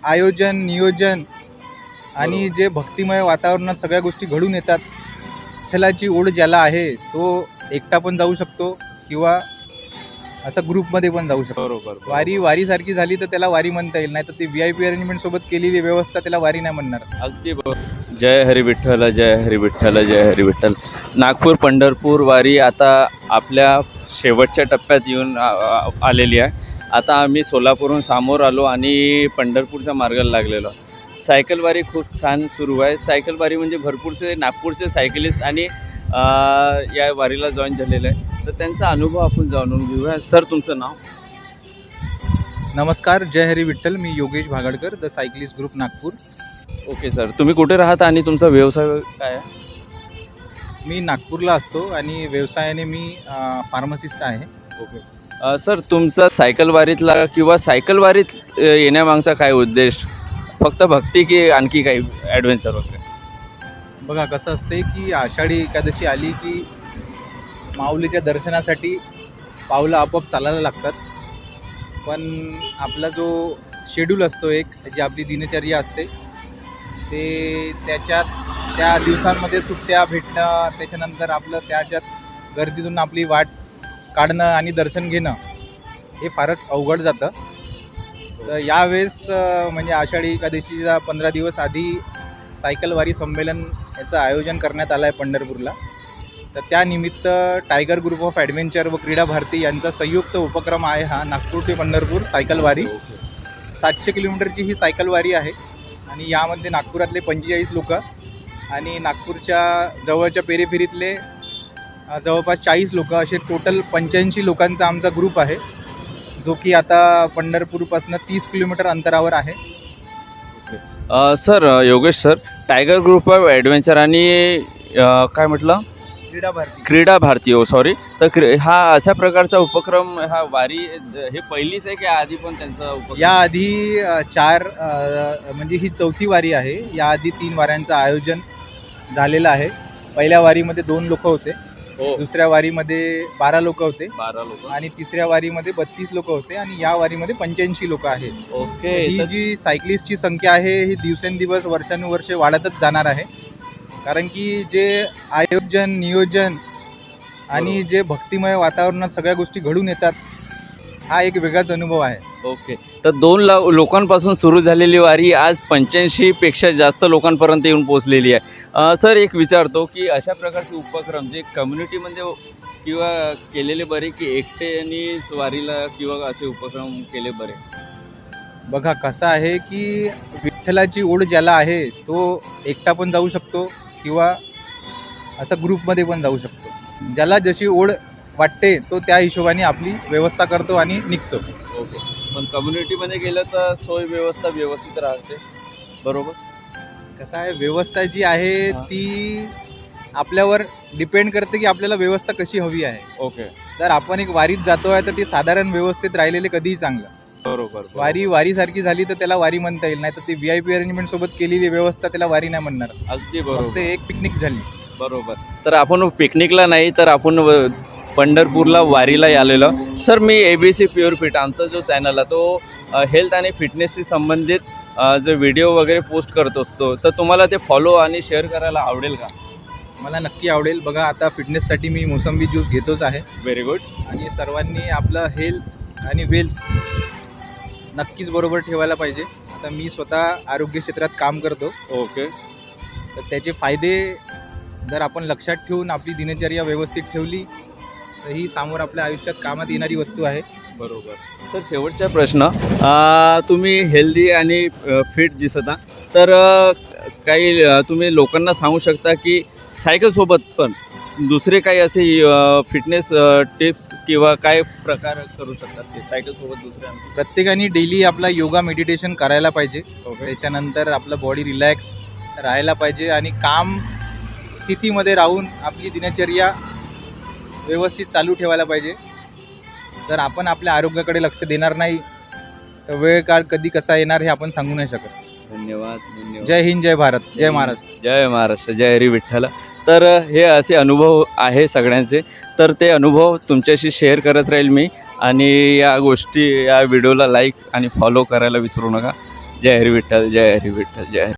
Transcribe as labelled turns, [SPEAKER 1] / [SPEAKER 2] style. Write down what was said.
[SPEAKER 1] आयोजन, नियोजन आणि जे भक्तिमय वातावरणात सगळ्या गोष्टी घडून येतात, विठ्ठलाची ओढ ज्याला आहे तो एकटा पण जाऊ शकतो किंवा असं ग्रुपमध्ये पण जाऊ शकतो.
[SPEAKER 2] बरोबर.
[SPEAKER 1] वारीसारखी झाली तर त्याला वारी म्हणता येईल, नाही तर ती VIP अरेंजमेंट सोबत केलेली व्यवस्था त्याला वारी नाही म्हणणार.
[SPEAKER 2] अगदी बरोबर. जय हरी विठ्ठल, जय हरी विठ्ठल, जय हरी विठ्ठल. नागपूर पंढरपूर वारी आता आपल्या शेवटच्या टप्प्यात येऊन आलेली आहे. आता आम्ही सोलापूरहून समोर आलो आणि पंढरपूरच्या मार्गाला लागलेलो. सायकल वारी खूप छान सुरू आहे. सायकल वारी म्हणजे भरपूरसे नागपूरचे सायकलिस्ट आणि या वारीला जॉईन झालेले आहे. तर त्यांचा अनुभव आपण जाणून घेऊया. सर, तुमचं नाव?
[SPEAKER 1] नमस्कार, जय हरी विठ्ठल. मी Yogesh Bhagadkar, the cyclist group Nagpur.
[SPEAKER 2] Okay sir, तुम्ही कुठे राहता आणि तुमचा व्यवसाय काय आहे?
[SPEAKER 1] मी नागपूरला असतो आणि व्यवसायाने मी फार्मासिस्ट आहे.
[SPEAKER 2] ओके सर, तुमचा सायकल वारीतला किंवा सायकल वारीत येण्यामागचा काय उद्देश? फक्त भक्ती की आणखी काही ॲडव्हेंचर वगैरे?
[SPEAKER 1] बघा कसं असते की आषाढी एकादशी आली की माऊलीच्या दर्शनासाठी पावलं आपोआप चालायला लागतात. पण आपला जो शेड्यूल असतो, एक जी आपली दिनचर्या असते, ते त्या दिवसांमध्ये सुट्ट्या भेटणं, त्याच्यानंतर आपलं त्याच्यात गर्दीतून आपली वाट काढणं आणि दर्शन घेणं हे फारच अवघड जातं. तर यावेळेस म्हणजे आषाढी एकादशीचा 15 दिवस आधी सायकलवारी संमेलन याचं आयोजन करण्यात आलं आहे पंढरपूरला. तर त्यानिमित्त टायगर ग्रुप ऑफ ॲडव्हेंचर व क्रीडा भारती यांचा संयुक्त उपक्रम आहे हा नागपूर ते पंढरपूर सायकलवारी. 700 किलोमीटरची ही सायकलवारी आहे आणि यामध्ये नागपुरातले 45 लोक आणि नागपूरच्या जवळच्या पेरीफेरीतले जवळपास 40 लोक, असे टोटल 85 लोकांचा आमचा ग्रुप आहे, जो की आता पंढरपूरपासून 30 किलोमीटर अंतरावर आहे.
[SPEAKER 2] Sir, Yogesh sir, tiger group of adventure आणि काय म्हटलं? क्रीडा भारती. सॉरी. तर हा अशा प्रकारचा उपक्रम, हा वारी हे पहिलीच आहे की आधी पण त्यांचा उपक्रम?
[SPEAKER 1] याआधी 4 म्हणजे ही 4थी वारी आहे. याआधी 3 वाऱ्यांचं आयोजन झालेलं आहे. पहिल्या वारीमध्ये 2 लोक होते, दुसऱ्या वारीमध्ये 12 लोक होते,
[SPEAKER 2] 12 लोक,
[SPEAKER 1] आणि तिसऱ्या वारीमध्ये 32 लोक होते आणि या वारीमध्ये 85 लोक आहेत.
[SPEAKER 2] ओके.
[SPEAKER 1] ही जी सायकलिस्टची संख्या आहे ही दिवसेंदिवस वर्षानुवर्षे वाढतच जाणार आहे. कारण की जे आयोजन, नियोजन आणि जे भक्तिमय वातावरणात सगळ्या गोष्टी घडून येतात, हा एक वेगळाच अनुभव आहे.
[SPEAKER 2] ओके. तर 2 लोकांपासून सुरू झालेली वारी आज 85पेक्षा जास्त लोकांपर्यंत येऊन पोहोचलेली आहे. सर, एक विचारतो की अशा प्रकारचे उपक्रम जे कम्युनिटीमध्ये किंवा केलेले बरे की एकट्याने वारीला किंवा असे उपक्रम केले बरे?
[SPEAKER 1] बघा कसं आहे की विठ्ठलाची ओढ ज्याला आहे तो एकटा पण जाऊ शकतो किंवा असं ग्रुपमध्ये पण जाऊ शकतो. ज्याला जशी ओढ वाटते तो त्या हिशोबाने आपली व्यवस्था करतो आणि निघतो.
[SPEAKER 2] ओके. पण कम्युनिटीमध्ये गेलं तर सोय व्यवस्था व्यवस्थित राहते, बरोबर?
[SPEAKER 1] कसं आहे, व्यवस्था जी आहे ती आपल्यावर डिपेंड करते की आपल्याला व्यवस्था कशी हवी आहे.
[SPEAKER 2] ओके.
[SPEAKER 1] जर आपण एक वारीत जातो आहे तर ती साधारण व्यवस्थित राहिलेले कधीही चांगलं.
[SPEAKER 2] बरोबर.
[SPEAKER 1] वारीसारखी झाली तर त्याला वारी म्हणता येईल, नाही तर ती VIP अरेंजमेंट सोबत केलेली व्यवस्था त्याला वारी नाही म्हणणार.
[SPEAKER 2] अगदी
[SPEAKER 1] फक्त
[SPEAKER 2] बरोबर.
[SPEAKER 1] एक पिकनिक झाली.
[SPEAKER 2] बरोबर. तर आपण पिकनिकला नाही तर आपण पंढरपूरला वारीला आलेलो. सर, मी ABC प्युअर फिट, आमचा जो चॅनल आहे तो हेल्थ आणि फिटनेसशी संबंधित जो व्हिडिओ वगैरे पोस्ट करत असतो, तर तुम्हाला ते फॉलो आणि शेअर करायला आवडेल का?
[SPEAKER 1] मला नक्की आवडेल. बघा आता फिटनेससाठी मी मोसंबी ज्यूस घेतोच आहे.
[SPEAKER 2] Very good.
[SPEAKER 1] आणि सर्वांनी आपलं हेल्थ आणि वेल्थ नक्कीच बरोबर ठेवायला पाहिजे. आता मी स्वतः आरोग्य क्षेत्रात काम करतो.
[SPEAKER 2] ओके.
[SPEAKER 1] तर त्याचे फायदे जर आपण लक्षात ठेवून आपली दिनचर्या व्यवस्थित ठेवली तर ही समोर आपल्या आयुष्यात कामात येणारी वस्तू आहे.
[SPEAKER 2] बरोबर. सर, शेवटचा प्रश्न, तुम्ही हेल्दी आणि फिट दिसता, तर काही तुम्ही लोकांना सांगू शकता की सायकलसोबत पण दुसरे काही असे फिटनेस टिप्स किंवा काय प्रकार करू शकतात ते सायकलसोबत दुसऱ्या?
[SPEAKER 1] प्रत्येकाने डेली आपला योगा, मेडिटेशन करायला पाहिजे.
[SPEAKER 2] ओके.
[SPEAKER 1] त्याच्यानंतर आपलं बॉडी रिलॅक्स राहायला पाहिजे आणि काम स्थितीमध्ये राहून आपली दिनचर्या व्यवस्थित चालू ठेवायला पाहिजे. जर आपण आपल्या आरोग्याकडे लक्ष देणार नाही तर वेळ काळ कधी कसा येणार हे आपण सांगू नाही शकत.
[SPEAKER 2] धन्यवाद. धन्यवाद.
[SPEAKER 1] जय हिंद, जय भारत, जय महाराष्ट्र.
[SPEAKER 2] जय महाराष्ट्र, जय हरी विठ्ठल. तर हे असे अनुभव आहे सगळ्यांचे, तर ते अनुभव तुमच्याशी शेअर करत राहील मी. आणि या गोष्टी, या व्हिडिओला लाईक आणि फॉलो करायला विसरू नका. जय हरी विठ्ठल जय हरी विठ्ठल जय हरी